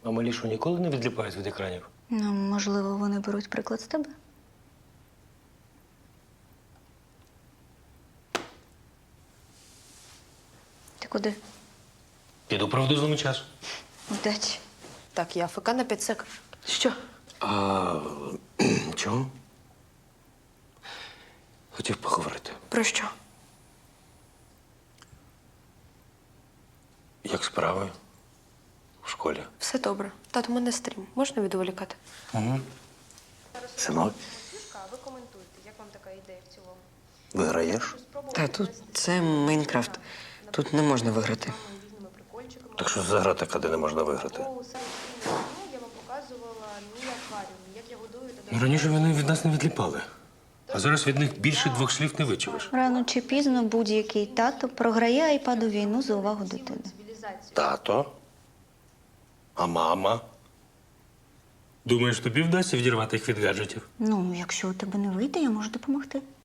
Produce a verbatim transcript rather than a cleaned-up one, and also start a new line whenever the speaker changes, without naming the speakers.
А малі що, ніколи не відліпають від екранів?
Ну, можливо, вони беруть приклад з тебе. Ти куди?
Піду правду злому час.
Удачі.
Так, я АФК на п'ять сек. Що?
А чого? Хотів поговорити.
Про що?
Як справи? В школі?
Все добре. Тато, у мене стрім. Можна відволікати?
Угу. Синок,
Ви коментуйте, як вам така ідея в цілому?
виграєш?
Та тут це Майнкрафт. Тут не можна виграти.
Різними прикольчиками.
Так що за гра така, де не можна виграти?
У сайті «Міні меню» я вам показувала мій акваріум, як я годую та
Ну, раніше вони від нас не відліпали. А зараз від них більше двох слів не вичуєш.
Рано чи пізно будь-який тато програє айпаду війну за увагу дитини.
цивілізацію.
Тато? А мама? Думаєш, тобі вдасться відірвати їх від гаджетів?
Ну, якщо у тебе не вийде, я можу допомогти.